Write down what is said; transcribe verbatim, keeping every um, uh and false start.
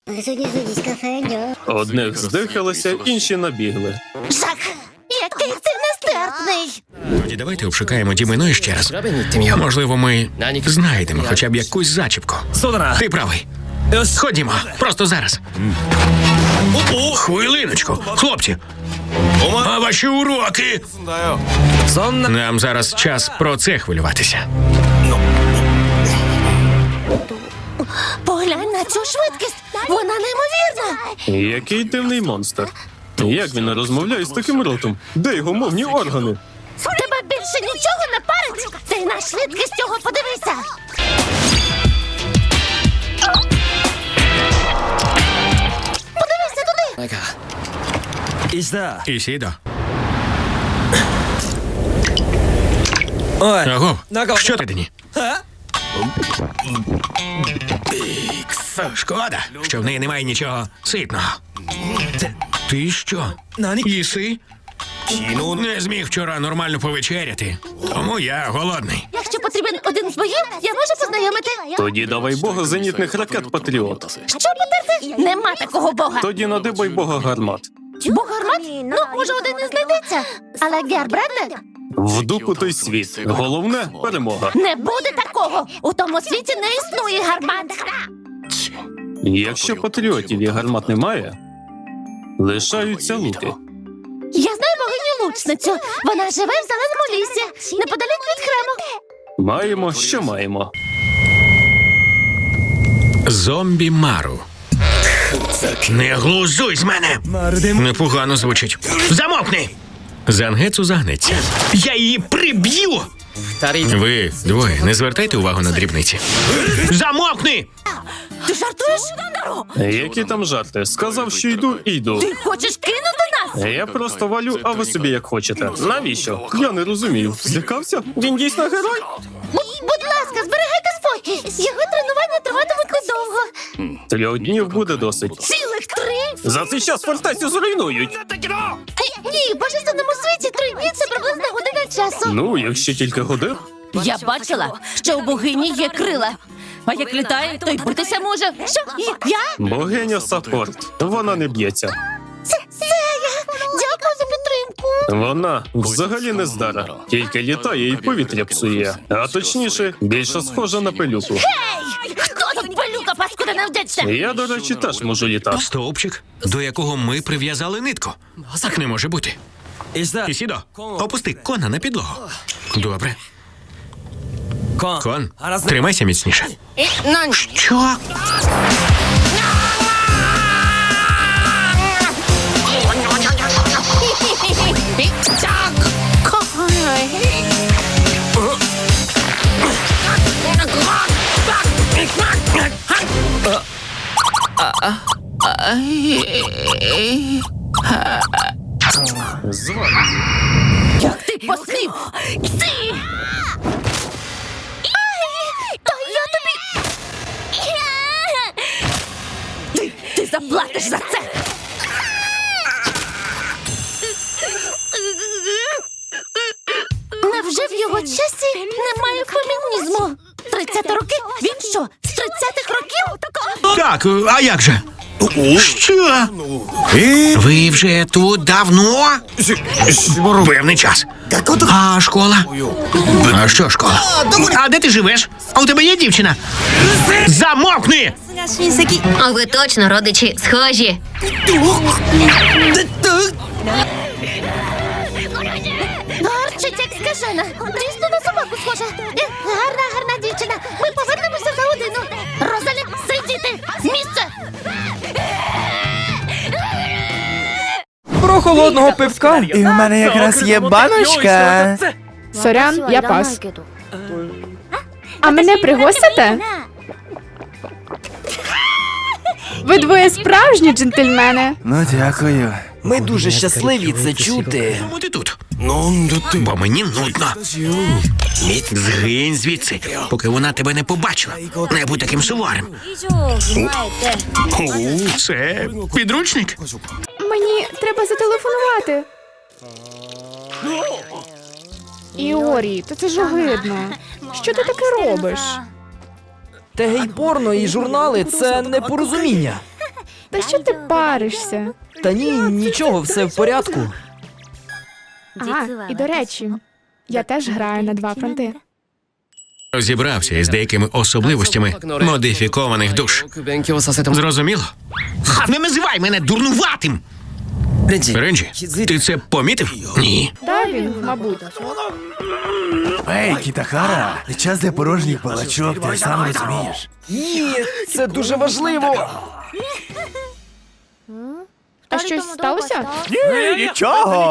Одних здихалося, інші набігли. Жак, який ти нестерпний! Тоді давайте обшукаємо Дімино ще раз. Можливо, ми знайдемо хоча б якусь зачіпку. Ти правий. Ходімо, просто зараз. Хвилиночку, хлопці. А ваші уроки? Нам зараз час про це хвилюватися. Поглянь на цю швидкість! Вона неймовірна! Який дивний монстр. Як він розмовляє з таким ротом? Де його мовні органи? Тебе більше нічого не парить! Ти на швидкість цього подивися! Подивися туди! Ісідо. Аго, що ти дені? Шкода, що в неї немає нічого ситного. Ти що? Їси? Не зміг вчора нормально повечеряти, тому я голодний. Якщо потрібен один з боїв, я можу познайомити. Тоді давай бога зенітних ракет Патріот. Що потерти? Нема такого бога. Тоді надибай бога гармат. Бог гармат? Ну, може, один і знайдеться. Але Гербренде? В дупу той світ. Головне – перемога. Не буде такого. У тому світі не існує гармат. Якщо патріотів і гармат немає, лишаються луки. Я знаю богиню-лучницю. Вона живе в зеленому лісі, неподалік від храму. Маємо, що маємо. Зомбі Мару. Не глузуй з мене! Непогано звучить. Замовкни! Зангецу загнеться. Я її приб'ю! Ви двоє, не звертайте увагу на дрібниці. Замовкни! Ти жартуєш? Які там жарти? Сказав, що йду і йду. Ти хочеш кинути нас? Я просто валю, а ви собі як хочете. Навіщо? Я не розумію. Злякався? Він дійсно герой? Будь, будь ласка, зберігайте спокій. Його тренування триватимуть недовго. Трьох днів буде досить. Цілих три? За цей час фортецю зруйнують. Ні, в божественному світі три дні – це приблизно година часу. Ну, якщо тільки годин. Я бачила, що у богині є крила. А як літає, то й битися може. Що? Я? Богиня Саппорт. Вона не б'ється. Це, це я. Дякую за підтримку. Вона взагалі не здара. Тільки літає і повітря псує. А точніше, більше схожа на пилюку. Ей! Хто тут пилюка, паскуда невдячна? Я, до речі, теж можу літати. Стовпчик, до якого ми прив'язали нитку. Так не може бути. Ісідо, опусти кона на підлогу. Добре. Кон, тримайся міцніше. Що? Звали. Як ти посмів? Ти! Та я тобі... Ти, ти заплатиш за це! Невже в його часі немає фемінізму? тридцяти років? Він що, з тридцятих років? Так, а як же? Що? Ви вже тут давно? Певний час. А школа? А що школа? А де ти живеш? А у тебе є дівчина? Замовкни! А ви точно, родичі, схожі. Гарчить, як скажена. Дійсно на собаку схожа. Е, Гарна, гарна дівчина. Ми повернемося за годину. Розалі, сидіти! З місця! Про холодного пивка. І в мене якраз є баночка. Сорян, я пас. А мене пригостите? Ви двоє справжні джентльмени. Ну, дякую. Ми дуже щасливі це чути. Чому ти тут? Бо мені нудно. Згинь звідси, поки вона тебе не побачила. Не будь таким суворим. Це підручник? Мені треба зателефонувати. Іорі, то це ж огидно. Що ти таке робиш? Та гей-порно і журнали – це непорозуміння. Та що ти паришся? Та ні, нічого, все в порядку. А, і до речі, я теж граю на два фронти. Розібрався із деякими особливостями модифікованих душ. Зрозуміло? Не називай мене дурнуватим! Ренджі, ти це помітив? Ні. Та він, мабуть. Ей, Кітахара, не час для порожніх балачок, ти сам розумієш. Ні, це дуже важливо. А щось сталося? Ні, нічого.